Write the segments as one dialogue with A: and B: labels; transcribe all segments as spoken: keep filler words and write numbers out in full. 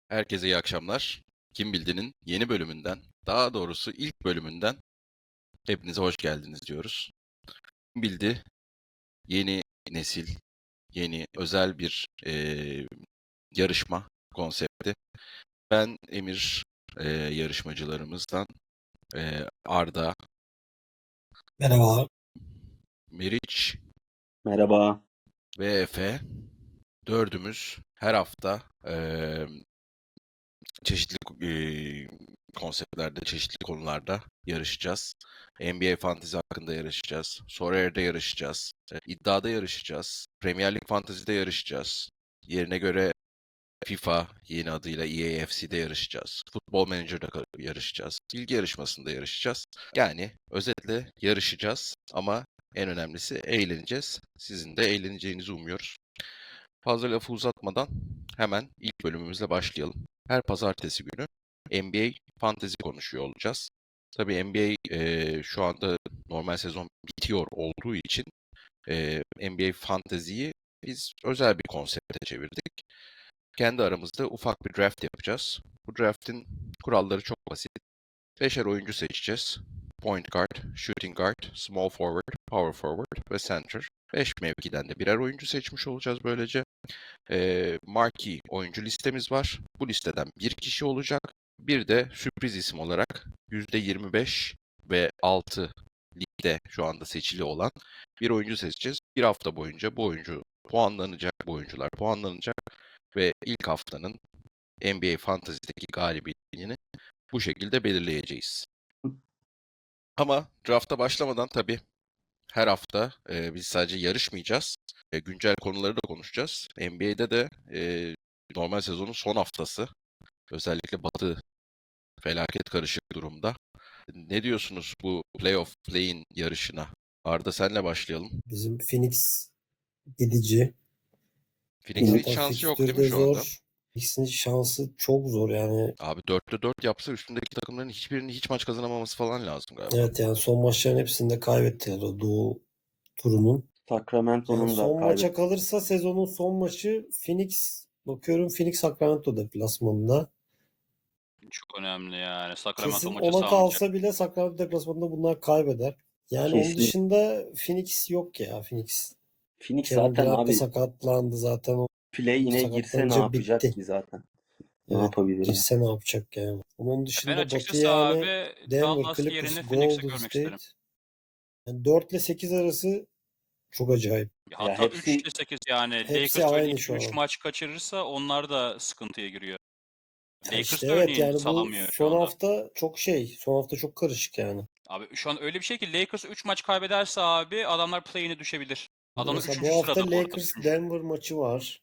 A: Herkese iyi akşamlar. Kim Bildi'nin yeni bölümünden, daha doğrusu ilk bölümünden hepinize hoş geldiniz diyoruz. Kim Bildi yeni nesil, yeni özel bir eee, yarışma konsepti. Ben Emir, eee, yarışmacılarımızdan eee, Arda,
B: Merhaba.
A: Meriç
C: Merhaba.
A: ve Efe dördümüz her hafta eee, çeşitli eee, konseptlerde, çeşitli konularda yarışacağız. N B A Fantasy hakkında yarışacağız. Sorar'da yarışacağız. e, iddiada yarışacağız. Premier Lig Fantasy'de yarışacağız. Yerine göre FIFA yeni adıyla E A F C'de yarışacağız. Futbol Manager'da ka- yarışacağız. Bilgi yarışmasında yarışacağız. Yani özetle yarışacağız ama en önemlisi eğleneceğiz. Sizin de eğleneceğinizi umuyoruz. Fazla lafı uzatmadan hemen ilk bölümümüzle başlayalım. Her pazartesi günü N B A Fantasy konuşuyor olacağız. Tabii N B A eee, şu anda normal sezon bitiyor olduğu için eee N B A Fantasy'yi biz özel bir konsepte çevirdik. Kendi aramızda ufak bir draft yapacağız. Bu draft'in kuralları çok basit. Beşer oyuncu seçeceğiz. Point guard, shooting guard, small forward, power forward ve center. Beş mevkiden de birer oyuncu seçmiş olacağız böylece. Eee marquee oyuncu listemiz var. Bu listeden bir kişi olacak. Bir de sürpriz isim olarak yüzde yirmi beş ve altı ligde şu anda seçili olan bir oyuncu seçeceğiz. Bir hafta boyunca bu oyuncu puanlanacak, bu oyuncular puanlanacak ve ilk haftanın N B A Fantasy'deki galibiyetini bu şekilde belirleyeceğiz. Ama drafta başlamadan tabii her hafta e, biz sadece yarışmayacağız. E, güncel konuları da konuşacağız. N B A'de de e, normal sezonun son haftası. Özellikle Batı felaket karışık durumda. Ne diyorsunuz bu playoff play-in yarışına? Arda senle başlayalım.
B: Bizim Phoenix gidici.
A: Phoenix'in hiç
B: Zaten
A: şansı yok değil
B: fikstürü
A: mi
B: de
A: şu anda?
B: zor. Phoenix'in şansı çok zor yani.
A: Abi dörtte dört yapsa üstündeki takımların hiçbirinin hiç maç kazanamaması falan lazım galiba.
B: Evet yani son maçların hepsinde kaybettiler o Doğu turunun. Yani
C: Sacramento'nun da
B: son maça
C: kaybetti.
B: kalırsa sezonun son maçı Phoenix, bakıyorum Phoenix Sacramento deplasmanında.
D: Çok önemli yani. Sacramento
B: Kesin
D: maçı
B: ona
D: sağlanacak.
B: kalsa bile Sacramento deplasmanında bunlar kaybeder. Yani onun
C: Kesin.
B: dışında Phoenix yok ya Phoenix.
C: Phoenix
B: Kevin
C: zaten
B: Durant da
C: abi
B: sakatlandı zaten. O
C: play yine girse ne
B: sakatlanınca
C: yapacak
B: bitti.
C: ki zaten? Ne
B: Evet,
C: yapabilir yani?
B: girse ne yapacak yani. Onun
D: Ben
B: dışında Batı
D: açıkçası
B: yani
D: abi
B: Denver,
D: Dallas
B: Clippers,
D: yerine Phoenix'i
B: Golden
D: görmek
B: State.
D: isterim.
B: Yani dört ile sekiz arası çok acayip.
C: Ya
D: Hatta üç
C: hepsi
D: ile sekiz yani.
B: Hepsi
D: Lakers örneğin
B: aynı şu
D: üç
B: an.
D: maç kaçırırsa onlar da sıkıntıya giriyor.
B: Ya işte
D: Lakers da
B: evet
D: örneğin
B: yani bu
D: salamıyor şu
B: son
D: anda.
B: hafta çok şey. Son hafta çok karışık yani.
D: Abi şu an öyle bir şey ki Lakers üç maç kaybederse abi adamlar play-in'e düşebilir. Adamlar
B: Mesela
D: üçüncü
B: bu hafta
D: sırada bu arada.
B: Lakers
D: Üçüncü.
B: Denver maçı var.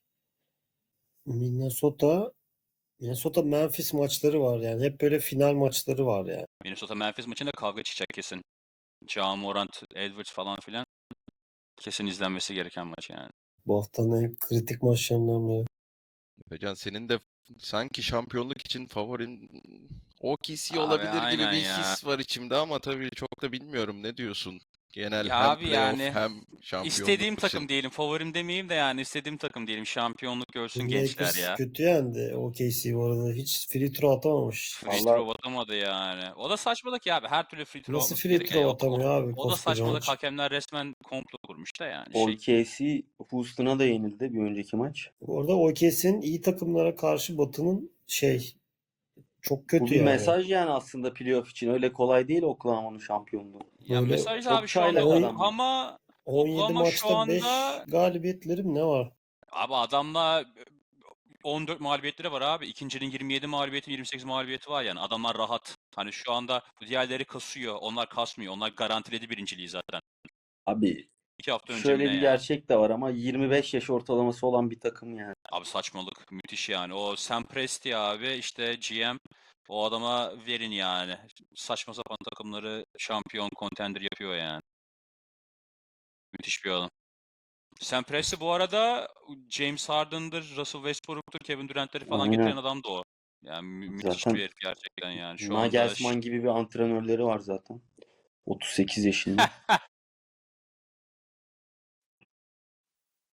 B: Minnesota Minnesota Memphis maçları var yani. Hep böyle final maçları var yani.
D: Minnesota Memphis maçında kavga çıkacak kesin. Ja Morant, Edwards falan filan. Kesin izlenmesi gereken maç yani.
B: Bu haftanın en kritik maçlarından biri.
A: Hocam senin de sanki şampiyonluk için favorin O K C
D: Abi
A: olabilir gibi
D: aynen
A: bir
D: ya.
A: his var içimde ama tabii çok da bilmiyorum. Ne diyorsun? Genel
D: Ya
A: hem
D: abi
A: playoff
D: yani
A: hem şampiyonluk
D: istediğim
A: için.
D: takım diyelim. Favorim demeyeyim de yani istediğim takım diyelim. Şampiyonluk görsün gençler
B: Lakers
D: ya.
B: kötü yendi. O K C bu arada. Hiç free throw atamamış.
D: Free
C: valla
D: throw atamadı yani. O da saçmalık ya abi. Her türlü free throw
B: Nasıl
D: atması
B: free
D: gerekiyor.
B: throw
D: Ya. O, o,
B: atamıyor abi
D: o da
B: koskoca
D: saçmalık.
B: maç?
D: Hakemler resmen komplo kurmuş da yani şey.
C: O K C Houston'a da yenildi bir önceki maç.
B: Bu arada O K C'nin iyi takımlara karşı Batı'nın şey çok
C: Bu
B: kötü
C: bir
B: yani.
C: mesaj yani aslında playoff için. Öyle kolay değil Oklahoma'nın şampiyonluğu.
D: Ya
B: Böyle
D: mesaj abi
C: Çok
D: şu anda
C: çaylak
B: on,
C: adamlar.
D: Oklahoma
B: on yedi
D: Oklahoma şu
B: maçta beş
D: anda
B: galibiyetleri mi ne var?
D: abi adamla on dört mağlubiyetleri var abi. İkincinin yirmi yedi mağlubiyeti, yirmi sekiz mağlubiyeti var yani. Adamlar rahat. Hani şu anda diğerleri kasıyor. Onlar kasmıyor. Onlar garantiledi birinciliği zaten.
C: Abi
D: İki hafta önce mi
C: şöyle
D: ne
C: bir
D: ya?
C: gerçek de var ama yirmi beş yaş ortalaması olan bir takım yani.
D: Abi saçmalık. Müthiş yani. O Sam Presti abi işte G M o adama verin yani. Saçma sapan takımları şampiyon contender yapıyor yani. Müthiş bir adam. Sam Presti bu arada James Harden'dır, Russell Westbrook'tur, Kevin Durant'leri falan getiren
C: Aynen.
D: adam da o. Yani mü- müthiş bir
C: Zaten
D: herif gerçekten yani. Şu anda ş-
C: Nagelsmann gibi bir antrenörleri var zaten. otuz sekiz yaşında.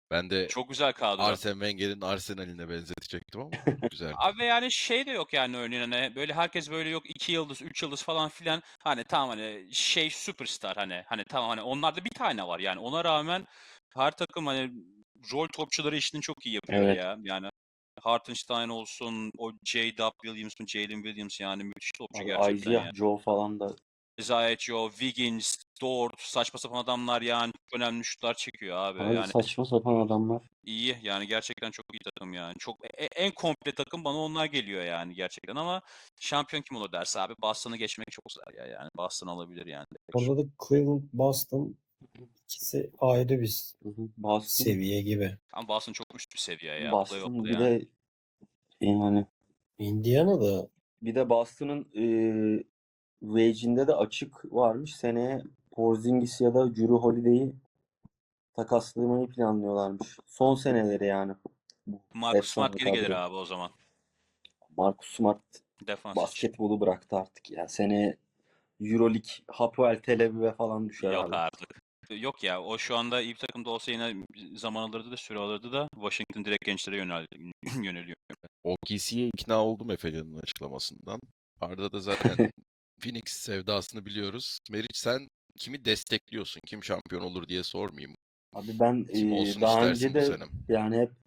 A: Ben de
D: Çok güzel kadro.
A: Arsene Wenger'in Arsenal'ine benzetecektim ama güzel.
D: Abi yani şey de yok yani örneğin hani böyle herkes böyle yok iki yıldız, üç yıldız falan filan hani tamam hani şey süperstar hani hani tamam hani onlarda bir tane var yani ona rağmen her takım hani rol topçuları işini çok iyi yapıyor
C: Evet.
D: ya. Yani Hartenstein olsun, o J W Williams mı, Jalen Williams yani müthiş topçu
C: Abi
D: gerçekten
C: Isaiah
D: ya.
C: Joe falan da
D: Isaiah Joe, Wiggins, Dort saçma sapan adamlar yani çok önemli şutlar çekiyor abi.
C: abi
D: Yani
C: saçma sapan adamlar.
D: İyi yani gerçekten çok iyi takım yani. Çok e- en komple takım bana onlar geliyor yani gerçekten ama şampiyon kim olur derse abi Boston'ı geçmek çok zor ya yani. Boston alabilir yani.
B: Orada da Cleveland, Boston ikisi ayrı bir
C: Hı hı. Boston,
B: seviye gibi.
D: Ama Boston çok üst bir seviye ya.
C: Boston
D: Playoff'ta
C: bir
D: yani.
C: de yani
B: Indiana'da
C: bir de Boston'ın eee wage'inde de açık varmış. Seneye Porzingis ya da Jrue Holiday'i takaslamayı planlıyorlarmış. Son seneleri yani. Bu
D: Marcus
C: efsane
D: Smart geri gelir
C: kadro.
D: abi o zaman.
C: Marcus Smart
D: Defans için.
C: basketbolu bıraktı artık ya. Seneye Euroleague, Hapoel Tel Aviv'e falan düşer
D: Yok
C: abi.
D: artık. Yok ya o şu anda iyi bir takımda olsa yine zaman alırdı da süre alırdı da Washington direkt gençlere yönel yöneliyor.
A: O K C'ye ikna oldum Efecan'ın açıklamasından. Arda da zaten Phoenix sevdasını biliyoruz. Meriç sen kimi destekliyorsun? Kim şampiyon olur diye sormayayım.
C: Abi ben
A: Kim
C: eee,
A: olsun
C: daha
A: istersin
C: önce
A: bu
C: de
A: sene?
C: yani hep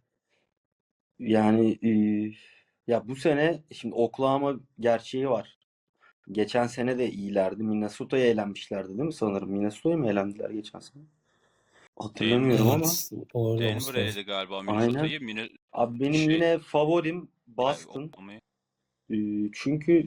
C: yani eee, ya bu sene şimdi Oklahoma gerçeği var. Geçen sene de iyilerdi. Minnesota'ya elenmişlerdi değil mi sanırım? Minnesota'ya mı elendiler geçen sene? Hatırlamıyorum ama.
B: evet orada olması
D: Denver
B: lazım.
D: eledi galiba
C: Aynen.
D: Minnesota'yı. Mine
C: Abi benim
D: şey
C: yine favorim
D: ay,
C: Boston.
D: Oklahoma'yı.
C: Ee, çünkü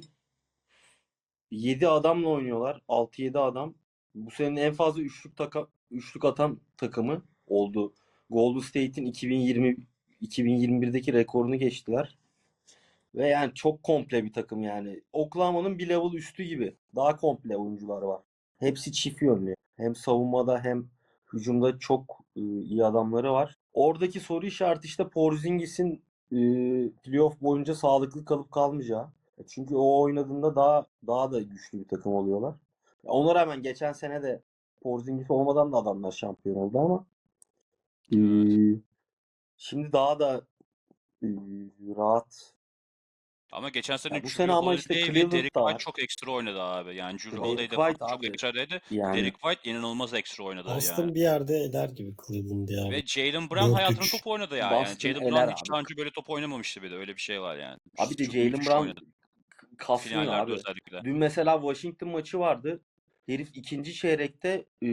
C: yedi adamla oynuyorlar. altı yedi adam. Bu senenin en fazla üçlük taka, üçlük atan takımı oldu. Golden State'in iki bin yirmi iki bin yirmi birdeki rekorunu geçtiler. Ve yani çok komple bir takım yani. Oklahoma'nın bir level üstü gibi. Daha komple oyuncular var. Hepsi çift yönlü. Hem savunmada hem hücumda çok e, iyi adamları var. Oradaki soru işareti işte Porzingis'in e, playoff boyunca sağlıklı kalıp kalmayacağı. E, Çünkü o oynadığında daha daha da güçlü bir takım oluyorlar. Ona rağmen geçen sene de Porzingis olmadan da adamlar şampiyon oldu ama e,
D: Evet.
C: şimdi daha da e, rahat.
D: Ama geçen sene
C: Ya bu
D: Jrue
C: sene ama işte
D: Holiday ve
C: Cleveland
D: Derek
C: da
D: White
C: var.
D: çok ekstra oynadı abi. Yani Jrue
C: İşte
D: Holiday
C: Derek
D: de
C: White
D: falan çok
C: abi.
D: ekstradaydı.
C: Yani
D: Derek White inanılmaz ekstra oynadı yani.
B: Boston bir yerde eder gibi Cleveland'ı ya.
D: Ve Jaylen Brown hayatının
B: dört üç.
D: top oynadı ya. Yani
C: Boston
D: Jaylen Brown
C: eler
D: hiç
C: abi.
D: daha önce böyle top oynamamıştı bir de. Öyle bir şey var yani.
C: Abi de
D: Çok
C: Jaylen
D: müthiş
C: Brown
D: oynadı.
C: kasmıyor
D: Finallerde
C: abi.
D: özellikle.
C: Dün mesela Washington maçı vardı. Herif ikinci çeyrekte e,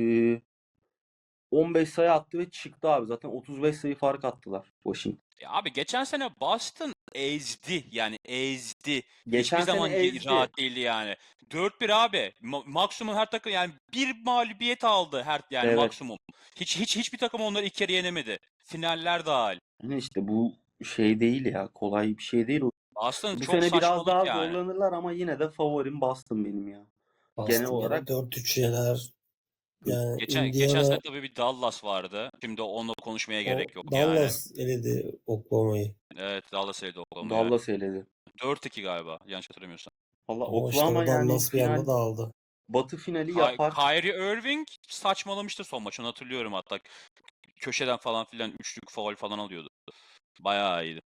C: on beş sayı attı ve çıktı abi. Zaten otuz beş sayı fark attılar Washington.
D: Ya abi geçen sene Boston ezdi. Yani ezdi. Hiçbir
C: Geçen sene
D: zaman ye-
C: ezdi.
D: rahat değildi yani. dört bir abi. Ma- maksimum her takım yani bir mağlubiyet aldı her yani
C: Evet.
D: maksimum. Hiç hiç hiçbir takım onları iki kere yenemedi. Finaller dahil.
C: Yani işte bu şey değil ya. Kolay bir şey değil.
D: Boston
C: Bu
D: çok
C: sene biraz
D: saçmalık
C: daha
D: yani.
C: zorlanırlar ama yine de favorim Boston benim ya. Genel
B: Boston
C: olarak
B: gene dört üç yener. Yani
D: Geçen geçen
B: Indiana
D: sene tabii bir Dallas vardı. Şimdi onunla konuşmaya
B: o
D: gerek yok yani.
B: Dallas eledi Oklahoma'yı.
D: Evet Dallas eledi Oklahoma'ya.
C: Dallas eledi.
D: dört iki galiba yanlış hatırlamıyorsam.
C: Valla
B: Ama işte
C: Oklahoma
B: o
C: yani
B: Dallas bir anda
C: final
B: dağıldı.
C: Batı finali
D: Ky-
C: yapar.
D: Kyrie Irving saçmalamıştı son maçını hatırlıyorum hatta. Köşeden falan filan üçlük faul falan alıyordu. Bayağı iyiydi.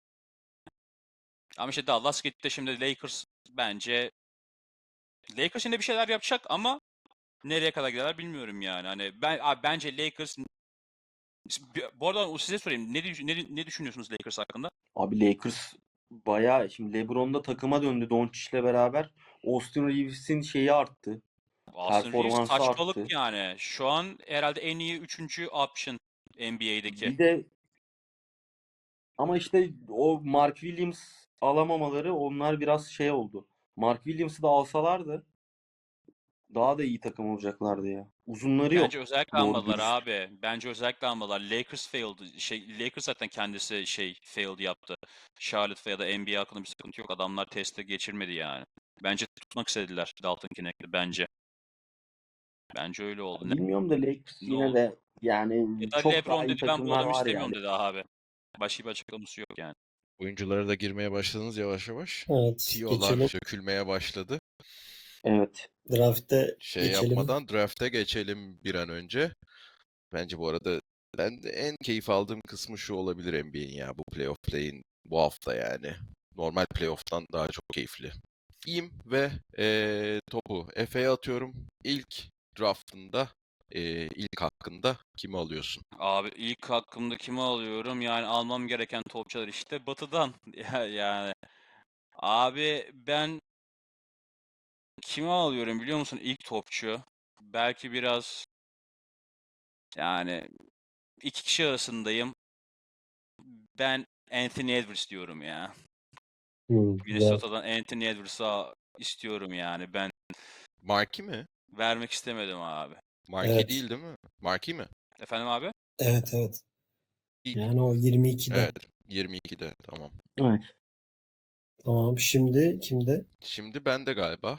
D: Ama işte Dallas gitti şimdi Lakers bence Lakers yine bir şeyler yapacak ama nereye kadar giderler bilmiyorum yani. Hani ben abi bence Lakers bu arada size sorayım. Ne, düş- ne, ne düşünüyorsunuz Lakers hakkında?
C: Abi Lakers bayağı şimdi LeBron da takıma döndü Doncic'le beraber. Austin Reeves'in şeyi arttı.
D: Austin Reeves
C: Performansı
D: saçmalık
C: arttı.
D: yani. Şu an herhalde en iyi üçüncü option N B A'deki.
C: Bir de ama işte o Mark Williams alamamaları onlar biraz şey oldu. Mark Williams'ı da alsalardı daha da iyi takım olacaklardı ya. Uzunları
D: Bence
C: yok.
D: özellikle
C: Doğru
D: almadılar
C: dürüst.
D: abi. Bence özellikle almadılar. Lakers failed. Şey, Lakers zaten kendisi şey failed yaptı. Charlotte ya da N B A hakkında bir sıkıntı yok. Adamlar testi geçirmedi yani. Bence tutmak istediler Dalton Kinect'i bence. Bence öyle oldu. Ne,
C: Bilmiyorum da Lakers
D: ne
C: yine
D: oldu?
C: de yani
D: Ya da
C: çok daha
D: LeBron
C: iyi
D: dedi ben bu
C: takımlar
D: adamı
C: var
D: istemiyorum
C: yani.
D: dedi abi. Başka bir açıklaması yok yani.
A: Oyunculara da girmeye başladınız yavaş yavaş.
B: Evet
A: Tiyolar
B: geçelim.
A: dökülmeye başladı.
C: Evet.
B: Draft'te
A: Şey
B: geçelim.
A: yapmadan draft'e geçelim bir an önce. Bence bu arada ben de en keyif aldığım kısmı şu olabilir N B A'in ya bu playoff play'in bu hafta yani. Normal playoff'tan daha çok keyifli. İyiyim ve eee, topu Efe'ye atıyorum. İlk draftında, eee, ilk hakkında kimi alıyorsun?
D: Abi ilk hakkımda kimi alıyorum? Yani almam gereken topçular işte Batı'dan. Ya- Yani abi ben kimi alıyorum biliyor musun ilk topçu? Belki biraz yani iki kişi arasındayım. Ben Anthony Edwards diyorum ya.
B: Hmm, güzel.
D: Minnesota'dan Anthony Edwards'a istiyorum yani. Ben
A: Markey mi?
D: vermek istemedim abi.
A: Markey
B: Evet.
A: değil değil mi? Markey mi?
D: Efendim abi?
B: Evet evet.
A: İlk.
B: Yani o yirmi ikide.
A: Evet. yirmi ikide. Tamam.
C: Evet.
B: Tamam. Şimdi kimde?
A: Şimdi bende galiba.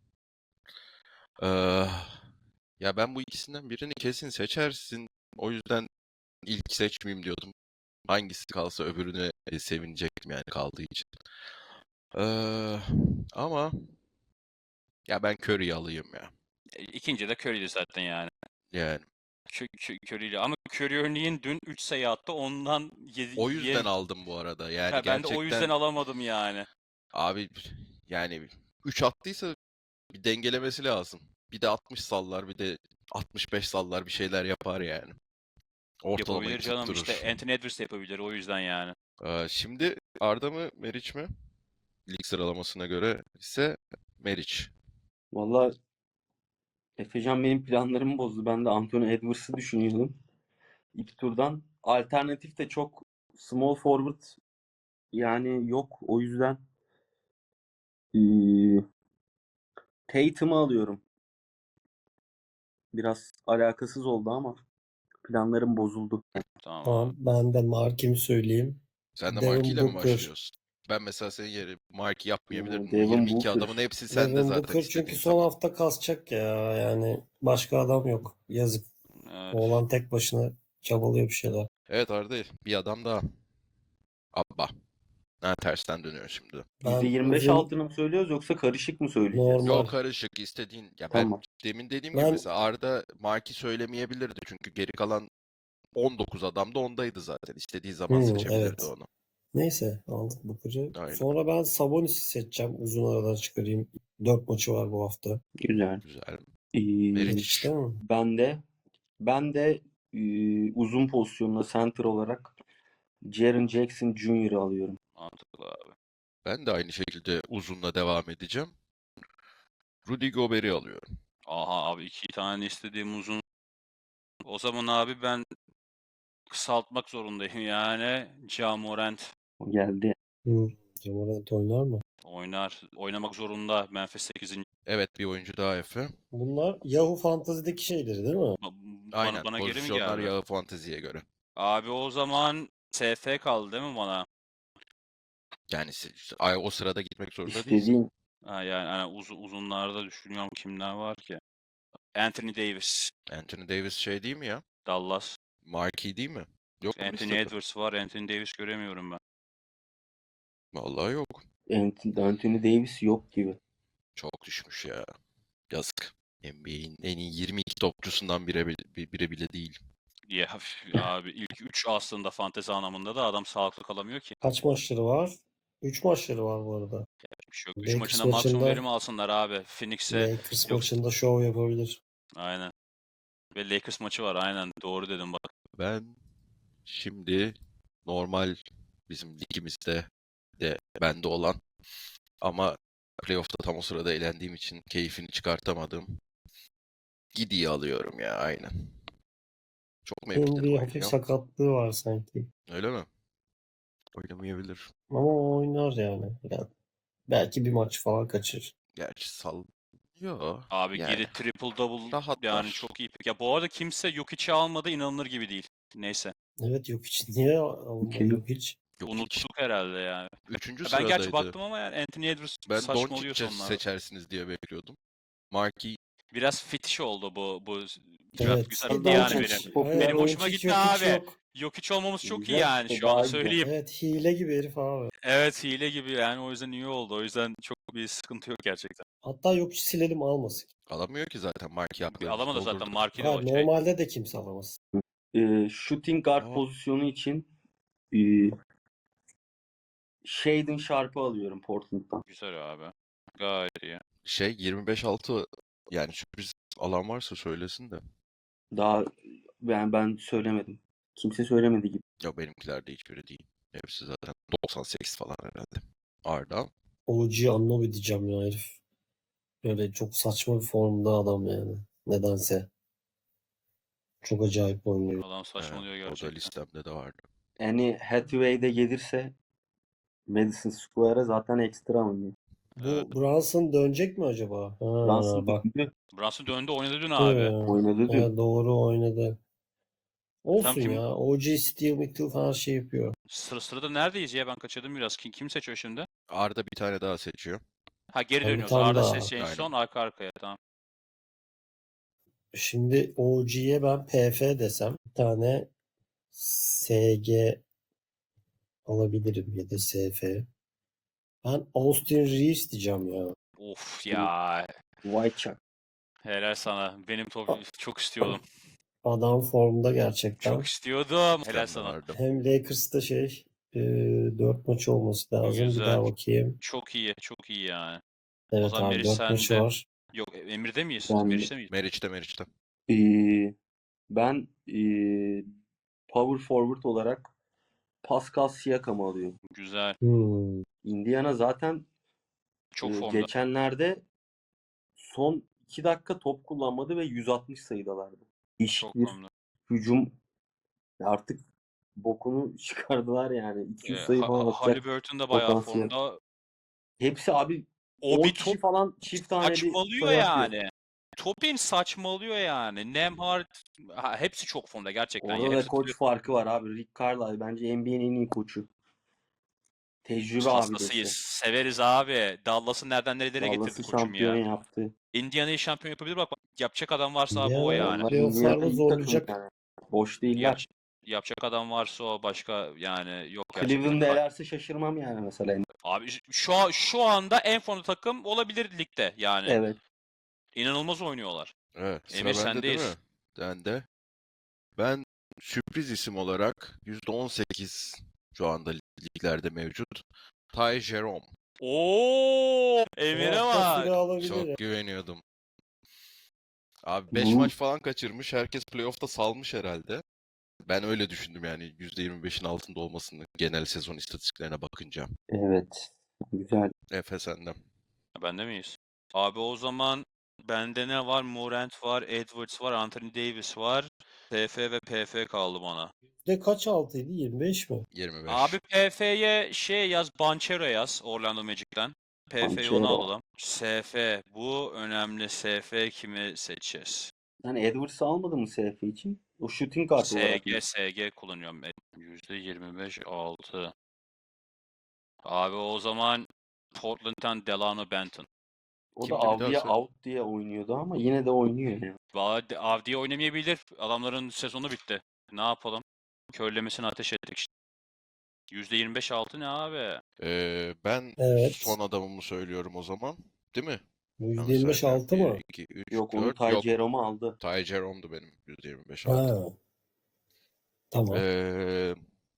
A: Eee, ya ben bu ikisinden birini kesin seçersin. O yüzden ilk seçmeyeyim diyordum. Hangisi kalsa öbürüne e, sevinecektim yani kaldığı için. Eee, ama ya ben Curry'i alayım ya.
D: E, İkinci de Curry'di zaten yani.
A: Yani
D: Kö- Kö- Curry'li. Ama Curry örneğin dün üç sayı attı. Ondan
A: o yüzden
D: yedi.
A: aldım bu arada. Yani
D: Ben de o yüzden
A: gerçekten
D: alamadım yani.
A: abi yani üç attıysa bir dengelemesi lazım. Bir de altmış sallar, bir de altmış beş sallar bir şeyler yapar yani. Ortalamayı
D: Yapabilir canım.
A: tutturur.
D: İşte Anthony Edwards da yapabilir. O yüzden yani.
A: Ee, şimdi Arda mı Meriç mi? Lig sıralamasına göre ise Meriç.
C: Valla Efecan benim planlarımı bozdu. Ben de Anthony Edwards'ı düşünüyordum. İlk turdan. Alternatif de çok small forward yani yok. O yüzden eee Tatum'u alıyorum. Biraz alakasız oldu ama planlarım bozuldu.
D: Tamam
B: Tamam.
D: abi.
B: Ben de markimi söyleyeyim.
A: Sen de
B: Devin
A: Markey ile mi
B: Booker.
A: başlıyorsun? Ben mesela senin yeri Markey yapmayabilirdim. O
C: Devin
A: yirmi iki
C: Booker.
A: adamın hepsi sende
B: Devin
A: zaten
B: Booker çünkü
A: istediğin
B: son
A: zaman.
B: hafta kasacak ya. Yani başka adam yok. Yazık.
D: Evet.
B: Oğlan tek başına çabalıyor bir şeyler.
A: Evet Arda bir adam daha. Abba. Ha tersten dönüyor şimdi.
B: Ben
C: yüzde yirmi beş
B: uzun
C: altını mı söylüyoruz yoksa karışık mı söyleyeceğiz?
B: normal.
A: Yok karışık istediğin. Ya ben
C: Tamam.
A: demin dediğim gibi
B: Ben
A: mesela Arda Markey söylemeyebilirdi. Çünkü geri kalan on dokuz adam da ondaydı zaten. İstediği zaman
B: Hmm,
A: seçebilirdi
B: evet.
A: onu.
B: Neyse aldık Booker'ı.
A: Aynen.
B: Sonra ben Sabonis'i seçeceğim. Uzun aradan çıkarayım. Dört maçı var bu hafta.
C: Güzel.
A: Güzel.
C: Ee,
A: Meriç.
B: Meriç değil mi?
C: ben de ben de eee, uzun pozisyonda center olarak Jaren Jackson Junior'ı alıyorum.
D: Mantıklı abi.
A: Ben de aynı şekilde uzunla devam edeceğim. Rudy Gobert'i alıyorum.
D: Aha abi iki tane istediğim uzun. O zaman abi ben kısaltmak zorundayım yani. Ja Morant
C: O geldi.
B: Hmm. Jamorant oynar mı?
D: oynar. Oynamak zorunda. Memphis sekizinci.
A: Evet bir oyuncu daha Efe.
B: Bunlar Yahoo Fantasy'deki şeyleri değil mi?
D: Ba- Bana,
A: Aynen
D: bana geri mi
A: pozisyonlar
D: geldi?
A: yağı fanteziye göre.
D: Abi o zaman S F kaldı değil mi bana?
A: Yani se- işte ay- o sırada gitmek zorunda değilsin.
C: İstediğin
D: Ha, yani hani uz- uzunlarda düşünüyorum kimler var ki. Anthony Davis,
A: Anthony Davis şey değil mi ya?
D: Dallas.
A: Marquee değil mi? Yok mu
D: Anthony
A: listede?
D: Edwards var. Anthony Davis göremiyorum ben.
A: Vallahi yok.
C: Anthony, Anthony Davis yok gibi.
A: Çok düşmüş ya. Yazık. N B A'in en iyi yirmi iki topçusundan biri, bile- biri bile değil.
D: Ya üf, abi ilk üç aslında fantezi anlamında da adam sağlıklı kalamıyor ki.
B: Kaç maçları var? Üç maçları var bu arada.
D: Bir şey yok. üç
B: Lakers
D: maçında maksimum
B: maçında
D: verim alsınlar abi. Phoenix'e
B: Lakers
D: yok.
B: maçında şov yapabilir.
D: Aynen. Ve Lakers maçı var aynen. Doğru dedim bak.
A: Ben şimdi normal bizim ligimizde de bende olan ama playoff'ta tam o sırada elendiğim için keyfini çıkartamadım. Gidi'yi alıyorum ya aynen. Çok mu
B: Bunun
A: epikten
B: bir hafif
A: oynuyor?
B: sakatlığı var sanki.
A: Öyle mi? Oynamayabilir.
B: Ama o oynar yani. Yani belki bir maç falan kaçırır.
A: Gerçi sal... Yo.
D: Abi
A: Yani.
D: geri triple double
A: Rahatlar.
D: yani çok iyi. Ya bu arada kimse Jokic'i almadı inanılır gibi değil. Neyse.
B: Evet yok hiç. Niye alınmadı
C: Okey.
B: yok hiç?
A: Yok hiç.
D: Unuttuk herhalde yani.
A: Üçüncü
D: Ya ben gerçi
A: sıradaydı.
D: baktım ama yani Anthony Edwards
A: Ben
D: saçmalıyor
A: Doncic'i
D: sonlarda.
A: seçersiniz diye bekliyordum. Markey
D: Biraz fetiş oldu bu bu draft
B: Evet.
D: güzel
C: E,
D: gitti yani
C: Doncic
D: benim.
C: popüler
D: Benim
C: oyuncu.
D: hoşuma
B: Doncic
D: gitti
B: yok, hiç
D: abi.
B: yok.
D: Jokic olmamız çok iyi
C: Güzel.
D: yani
C: O
D: şu
C: daha
D: anda
C: iyi.
D: söyleyeyim.
B: Evet hile gibi herif abi.
D: Evet hile gibi yani o yüzden iyi oldu. O yüzden çok bir sıkıntı yok gerçekten.
B: Hatta yok hiç silelim almasın.
A: alamıyor ki zaten Markey
D: Bir
A: yapmıyoruz.
D: alamadı zaten
A: Doldurduk.
D: Mark'i de
B: Hayır,
D: o şey.
B: normalde de kimse alamaz.
C: e, shooting guard
A: Aa.
C: pozisyonu için e, Shaedon Sharp'ı alıyorum Portland'dan.
D: Güzel abi. Gayet iyi.
A: Şey yirmi beş altı yani sürpriz alan varsa söylesin de.
C: Daha yani ben söylemedim. Kimse söylemedi gibi.
A: Ya benimkiler de hiçbiri değil. Hepsi zaten doksan sekiz falan herhalde. Arda.
B: O G Anunoby diyeceğim ya herif. Böyle çok saçma bir formda adam yani. Nedense. Çok acayip oynuyor.
D: Adam saçmalıyor
A: Evet, o da
D: gerçekten.
A: listemde de vardı.
C: Yani Hathaway'de gelirse Madison Square'a zaten ekstra oynuyor.
B: Bu
D: Evet.
B: Brunson dönecek mi acaba? Ha,
C: Brunson
B: bak.
C: döndü.
D: Brunson döndü oynadı dün
B: Hı,
D: abi.
C: Oynadı dün.
B: evet, doğru oynadı. Olsun
D: kim-
B: ya. O G Steel Mitchell her şey yapıyor.
D: Sıra sırada neredeyiz ya? Ben kaçırdım biraz. Kim, kim seçiyor şimdi?
A: Arda bir tane daha seçiyor.
D: Ha geri
B: Ha, bir
D: dönüyoruz.
B: tane
D: Arda
B: daha.
D: ses en
A: Aynen.
D: son arka arkaya tamam.
B: Şimdi O G'ye ben P F desem bir tane S G alabilirim ya da S F. Ben Austin Reeves diyeceğim ya.
D: Of ya.
C: Whitechuck.
D: Helal sana. Benim top çok istiyordum.
B: Adam formda gerçekten.
D: Çok istiyordum. Helal
A: Listemde
D: sana.
A: vardı.
B: Hem Lakers'ta şey e, dört maç olması lazım.
D: Güzel.
B: Bir daha bakayım.
D: Çok iyi. Çok iyi yani.
B: Evet
D: zaman
B: abi
D: Meriç
B: dört maçı
D: sende.
B: var.
D: Yok Emir'de miyiz?
C: Ben-
D: Meriç'te miyiz?
A: Meriç'te Meriç'te.
C: Ee, ben ee, power forward olarak Pascal Siakam'ı alıyorum.
D: Güzel.
B: Hmm.
C: Indiana zaten
D: Çok
C: ee,
D: formda.
C: geçenlerde son iki dakika top kullanmadı ve yüz altmış sayıdalardı.
D: Çok
C: İş bir
D: formda.
C: hücum artık bokunu çıkardılar yani. iki yüz
D: Ee,
C: sayı
D: Ha-
C: falan
D: Ha-
C: atacak
D: Haliburton da bayağı
C: potansiyel.
D: formda.
C: Hepsi abi
D: O
C: on
D: bir
C: kişi
D: top
C: falan çift taneli
D: saçmalıyor
C: sayı atıyor.
D: yani. Topin saçmalıyor yani. Nemhard ha, hepsi çok formda gerçekten. ya.
C: Orada da
D: Hepsi
C: koç farkı var abi. Rick Carlisle bence N B A'nin en iyi koçu. Tecrübe
D: hastasıyız.
C: abidesi.
D: Severiz abi. Dallas'ı nereden nerelere getirdi
C: Dallas'ı
D: koçum
C: şampiyon
D: ya.
C: yaptı.
D: Indiana'yı şampiyon yapabilir bak. bak, Yapacak adam varsa abi o
B: Indiana
D: yani.
C: Onlar
B: playoff'larda
C: Indiana iyi takım
B: zorlayacak.
C: yani. Boş değiller.
D: Yap, yapacak adam varsa o başka yani yok gerçekten.
C: Cleveland'da elerse şaşırmam yani mesela.
D: Abi şu an- şu anda en formda takım olabilir ligde yani.
C: Evet.
D: İnanılmaz oynuyorlar.
A: Evet, sıra
D: Emir,
A: bende değil
D: sendeyiz.
A: mi? Bende. Ben sürpriz isim olarak yüzde on sekiz şu anda liglerde mevcut. Ty Jerome.
D: Oo,
B: Bu
D: Emir'e
B: hafta süre
D: bak.
B: alabilir ya.
A: Çok güveniyordum. Abi beş
C: Bu-
A: maç falan kaçırmış. Herkes playoff'ta salmış herhalde. Ben öyle düşündüm yani yüzde yirmi beşin altında olmasını genel sezon istatistiklerine bakınca.
C: Evet. Güzel.
A: Efe senden.
D: Bende miyiz? Abi o zaman bende ne var? Morant var, Edwards var, Anthony Davis var. P F ve P F kaldı bana.
B: De kaç altıydı? yirmi beş mi?
A: yirmi beş.
D: Abi P F'ye şey yaz, Banchero yaz Orlando Magic'ten. P F'yi onu
C: Banchero.
D: alalım. S F, bu önemli. S F kimi seçeceğiz?
C: Yani Edwards'ı almadı mı S F için? O shooting guard olarak mı?
D: S G, S G kullanıyorum. yüzde yirmi beş altı. Abi o zaman Portland'dan Delano Benton.
C: O da
A: Kimdi bir daha
C: Avdi'ye
A: söyle.
C: out diye oynuyordu ama yine de oynuyor yani.
D: Valla de- Avdi'ye oynamayabilir. Adamların sezonu bitti. Ne yapalım? Körlemesini ateş ettik işte. yüzde yirmi beş altı ne abi?
A: Ee, ben
B: Evet.
A: son adamımı söylüyorum o zaman. Değil mi?
B: Bu
A: Yanlış
B: yüzde yirmi beş
A: saymıyorum.
B: altı mı?
A: bir, iki, üç,
C: Yok onu
A: dört.
C: Ty
A: Yok.
C: Jerome'u aldı.
A: Ty Jerome'du benim yüzde yirmi beş altı.
B: Ha. Tamam.
A: Ee,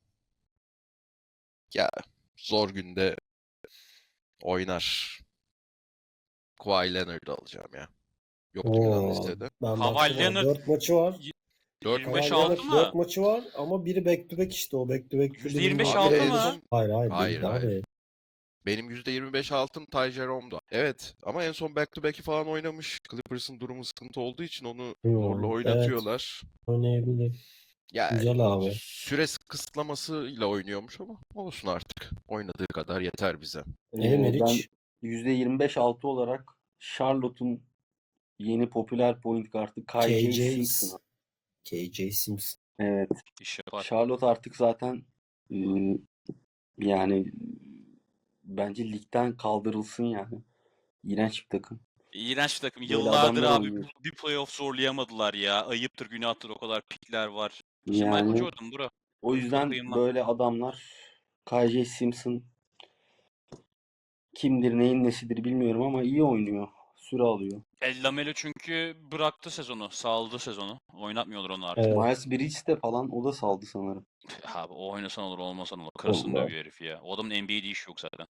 A: ya zor günde oynar. Kawhi Leonard'ı alacağım ya. Yoktu Yunan
B: Oo.
A: listede.
B: Ben
D: Kawhi
B: baktım
D: Leonard-
B: dört maçı var.
A: Dört
D: yirmi
B: Kawhi
D: beş
B: Leonard
D: altı mı?
B: dört maçı var ama biri back to back işte o back to back.
D: yüzde yirmi beş
A: Abi
D: altı
A: en
D: mı?
A: son
B: Hayır hayır.
A: Hayır,
B: değil
A: hayır.
B: abi.
A: benim yüzde yirmi beş altım Ty Jerome'du. Evet ama en son back to back'i falan oynamış. Clippers'ın durumu sıkıntı olduğu için onu
B: Hmm,
A: zorla
B: evet.
A: oynatıyorlar.
B: Oynayabilir.
A: Ya
B: Güzel abi.
A: süre kısıtlamasıyla oynuyormuş ama olsun artık. Oynadığı kadar yeter bize.
C: Ee,
B: Emir
C: ben
B: hiç.
C: yüzde yirmi beş altı olarak Charlotte'un yeni popüler point guard'ı
B: K
C: K J
B: J
C: Simpson.
B: K J Simpson.
C: Evet.
D: İş yapar.
C: Charlotte artık zaten e, yani bence ligden kaldırılsın yani. İğrenç bir takım.
D: İğrenç bir takım.
C: Böyle
D: Yıllardır
C: adamlar
D: abi
C: oynuyor.
D: bir playoff zorlayamadılar ya. Ayıptır, günahtır o kadar pikler var. İşte Michael
C: Yani
D: Jordan bro.
C: o yüzden
D: Kıyma.
C: böyle adamlar K J Simpson kimdir neyin nesidir bilmiyorum ama iyi oynuyor. süre alıyor.
D: El Lamelo çünkü bıraktı sezonu. Saldı sezonu. Oynatmıyorlar onu artık.
B: Evet.
C: Miles Bridges de falan o da saldı sanırım.
D: Abi o oynasan olur olmasan olur. Karısını
B: Allah.
D: dövüyor herif ya. O adamın N B A'de işi yok zaten.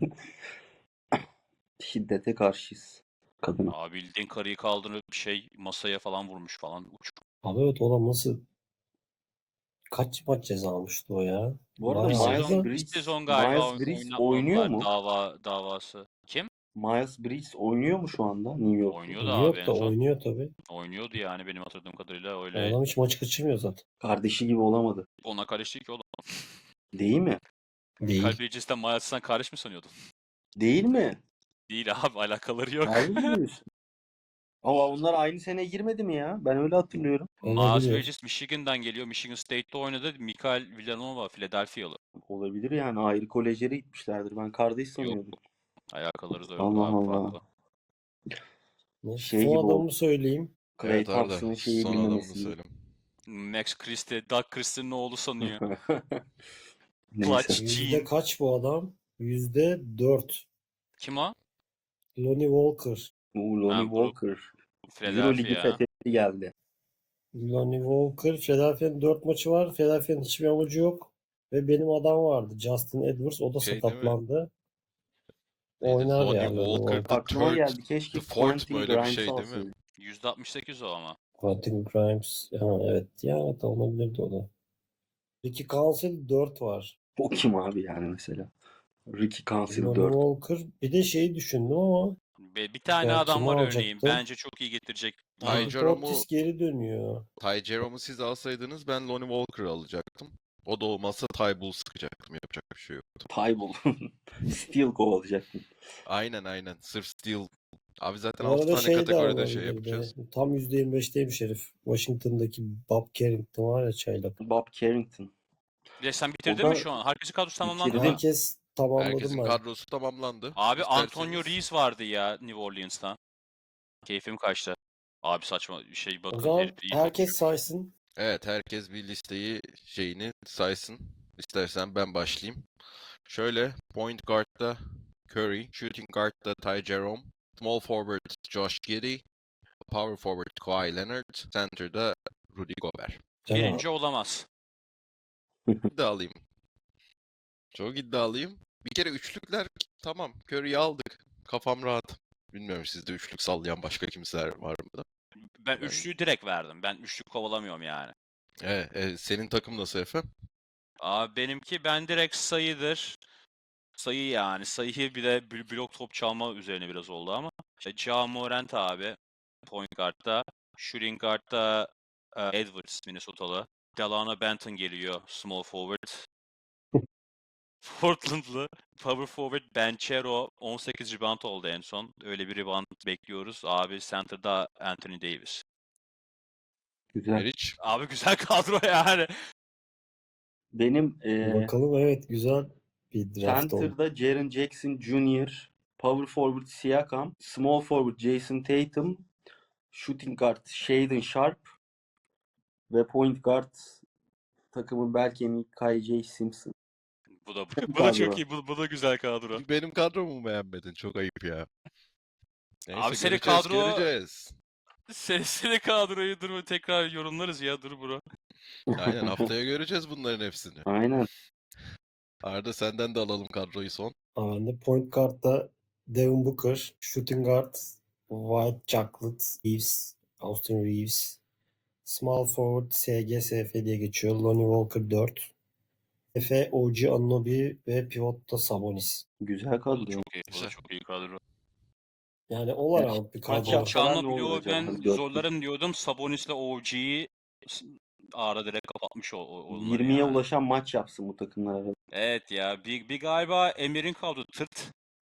C: Şiddete karşıyız kadına.
D: Abi bildiğin karıyı kaldırıp bir şey masaya falan vurmuş falan. Uç.
B: Abi evet o adam nasıl kaç maç ceza almıştı o ya?
C: Bu arada
D: Bir
B: Bayağı
C: Miles
D: sezon,
B: aldı.
D: bir
C: Bridges,
D: sezon galiba
C: Miles
D: oyn-
C: Bridges oynuyor
D: oynatmadılar
C: mu?
D: dava davası. Kim?
C: Miles Bridges oynuyor mu şu anda New York'ta?
D: Oynuyordu
B: New
D: abi en
B: York'ta
D: son.
B: oynuyor tabii.
D: Oynuyordu yani benim hatırladığım kadarıyla
B: O
D: öyle.
B: adam hiç maçı kaçırmıyor zaten.
C: Kardeşi gibi olamadı.
D: Ona karıştı ki oğlum.
C: Değil mi?
D: Michael
B: Değil.
D: Bridges'ten Miles'tan karış mı sanıyordun?
C: Değil mi?
D: Değil abi alakaları yok.
C: Harbi mi diyorsun? Ama onlar aynı sene girmedi mi ya? Ben öyle hatırlıyorum.
D: Miles
B: Olabilir.
D: Bridges Michigan'dan geliyor. Michigan State'te oynadı. Michael Villanova Philadelphia'lı.
C: Olabilir yani. Ayrı kolejlere gitmişlerdir. Ben kardeş
D: Yok.
C: sanıyordum.
D: Alakaları da yok
C: Allah
D: abi
C: Allah.
D: farklı.
B: Neyse,
C: Şey
B: son
C: gibi
B: adamımı
C: oldu.
B: söyleyeyim.
C: Clay
A: Evet Arda.
C: Thompson'ın şeyi
A: Son adamını
C: bilmemesi gibi.
A: söyle.
D: Max Christie, Doug Christie'nin oğlu sanıyor.
C: Neyse.
D: Clutch
B: Yüzde
D: Gene.
B: kaç bu adam? Yüzde dört.
D: Kim o?
B: Lonnie Walker.
C: Bu Lonnie
D: Ha, bu
C: Walker.
D: Philadelphia.
C: Euroleague'i fethetti geldi.
B: Lonnie Walker. Philadelphia'nın dört maçı var. Philadelphia'nın hiçbir amacı yok. Ve benim adam vardı. Justin Edwards. O da
A: Şey değil mi?
B: sakatlandı.
A: Neydi?
B: Oynar
A: Lonnie
B: ya Lonnie
A: Walker
B: Walker.
A: the
C: Aklıma
A: third,
C: geldi. Keşke
A: the fourth
C: Quentin
A: mu öyle bir
C: Grimes
A: şey değil mi?
C: alsaydı.
D: yüzde altmış sekiz o ama.
B: Quentin Grimes. Ha, evet. Ya evet olabilirdi o da. Ricky Council dört var.
C: O kim abi yani mesela? Ricky Council
B: Lonnie
C: dört.
B: Walker. Bir de şeyi düşündüm ama
D: Be- Bir tane
B: ya
D: adam
B: kimi
D: var örneğin.
B: alacaktım?
D: Bence çok iyi getirecek.
A: Ty
D: Onu
B: Bobby
A: Jerome'u
B: Portis geri dönüyor.
A: Ty Jerome'u siz alsaydınız ben Lonnie Walker'ı alacaktım. O da olmazsa Ty Bull sıkacaktım. Yapacak bir şey yoktu.
C: Taybul. Steel kovalayacaktım.
A: Aynen aynen. Sırf Steel. Abi zaten
B: Bu
A: altı
B: arada
A: tane
B: şey de
A: kategoride şey
B: alınabilirdi.
A: yapacağız.
B: Tam yüzde yirmi beşteymiş herif. Washington'daki Bob Carrington var ya çaylak.
C: Bob Carrington.
D: Bir de sen bitirdin
C: O
D: mi
C: da
D: şu an? Herkesin kadrosu tamamlandı
C: bitirdim.
D: mı?
B: Herkes tamamladım
A: Herkesin
B: ben.
A: kadrosu tamamlandı.
D: Abi Antonio
A: İsterseniz
D: Reeves vardı ya New Orleans'ta. Keyfim kaçtı. Abi saçma şey
B: O
D: bakın
B: zaman
D: herif iyi
B: herkes
D: topçu.
B: saysın.
A: evet herkes bir listeyi şeyini saysın. İstersen ben başlayayım. Şöyle point guard'da Curry, shooting guard'da Ty Jerome, small forward Josh Giddey, power forward Kawhi Leonard, center'da Rudy Gobert.
B: Can abi.
D: Birinci olamaz.
A: İddialıyım. Çok iddialıyım. Bir kere üçlükler tamam. Curry'i aldık. Kafam rahat. Bilmiyorum sizde üçlük sallayan başka kimseler var mı da?
D: Ben
A: Ben-
D: üçlüyü direkt verdim. Ben üçlük kovalamıyorum yani.
A: Evet, e, senin takım nasıl efendim?
D: Abi benimki ben direkt sayıdır. Sayı yani. Sayıyı bir de bl- blok top çalma üzerine biraz oldu ama. İşte Ja Morant abi. Point guard'da. Shooting guard'da e, Edwards Minnesotalı. Delano Benton geliyor. Small forward. Portland'lı. Power forward Banchero on sekiz rebound oldu en son. Öyle bir rebound bekliyoruz. Abi center'da Anthony Davis.
C: Güzel.
A: Meriç.
D: Abi güzel kadro yani.
C: Benim e,
B: Bakalım evet güzel bir draft oldu.
C: center'da Jaren Jackson Junior, power forward Siakam, small forward Jason Tatum, shooting guard Shaedon Sharp ve point guard takımın bel kemiği Kai J. Simpson.
D: Bu da bu, da
C: Kadro.
D: çok iyi. Bu, bu da güzel kadro.
A: Benim kadromu mu beğenmedin? Çok ayıp ya. Neyse
D: Abi senin
A: göreceğiz,
D: kadro-
A: göreceğiz.
D: Seni, seni kadroyu dur tekrar yorumlarız ya dur bro.
A: Aynen haftaya göreceğiz bunların hepsini.
C: Aynen.
A: Arda senden de alalım kadroyu son.
B: Ben de point guard'da Devin Booker, shooting guard White Chocolate Reeves, Austin Reeves, small forward S G S F diye geçiyor. Lonnie Walker dört. Efe, O G Anunoby ve pivotta Sabonis.
C: Güzel
D: Bu da
C: kadro.
D: çok iyi. Bu da
A: Güzel.
D: çok iyi kadro.
B: Yani all around bir
C: Maç
D: Top
B: kadro.
C: yapsa-
D: çalma
C: ne olur
D: bloğu
C: acaba?
D: ben
C: Hani dört-
D: zorlarım diyordum. Sabonis'le O G'yi ara direkt kapatmış o, o onları
C: yirmiye
D: yani.
C: ulaşan maç yapsın bu takımlar arasında.
D: Evet ya. Bir, bir galiba Emir'in kadro tırt.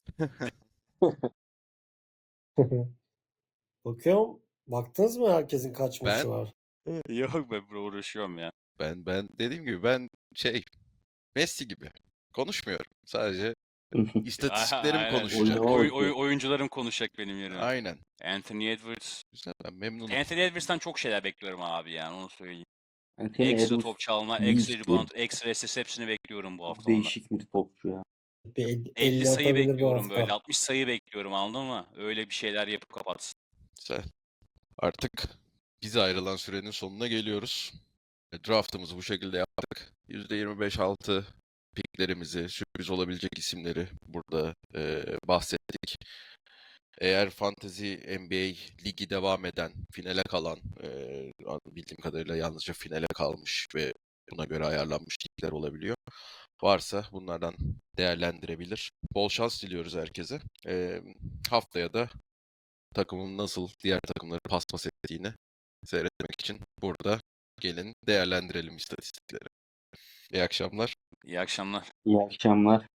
B: Bakıyorum. Baktınız mı herkesin kaç
A: Ben-
B: maçı var?
D: Yok be bro uğraşıyorum ya.
A: Ben ben dediğim gibi ben şey Messi gibi konuşmuyorum. Sadece istatistiklerim
D: Aynen.
A: konuşacak.
C: Oyun-
D: Oy, oy, oyuncularım konuşacak benim yerime.
A: Aynen.
D: Anthony Edwards.
A: Güzel ben memnunum.
D: Anthony Edwards'tan çok şeyler bekliyorum abi yani onu söyleyeyim.
C: Anthony
D: Ekstra
C: Edwards
D: top çalma,
C: büyük
D: ekstra
C: bir-
D: rebound, ekstra assist hepsini bekliyorum bu hafta
C: değişik bir topçu ya.
B: Bir el-
D: elli
B: elli
D: sayı
B: atabilir bu
D: bekliyorum böyle.
B: hafta.
D: altmış sayı bekliyorum, anladın mı? Öyle bir şeyler yapıp kapatsın.
A: Güzel. Artık bize ayrılan sürenin sonuna geliyoruz. E, Draftımızı bu şekilde yaptık. yüzde yirmi beş altı piklerimizi, sürpriz olabilecek isimleri burada e, bahsettik. Eğer Fantasy N B A ligi devam eden, finale kalan, e, bildiğim kadarıyla yalnızca finale kalmış ve buna göre ayarlanmış ligler olabiliyor. Varsa bunlardan değerlendirebilir. Bol şans diliyoruz herkese. E, haftaya da takımın nasıl diğer takımları paspas ettiğini seyretmek için burada gelin değerlendirelim istatistikleri. İyi akşamlar.
D: İyi akşamlar.
C: İyi akşamlar.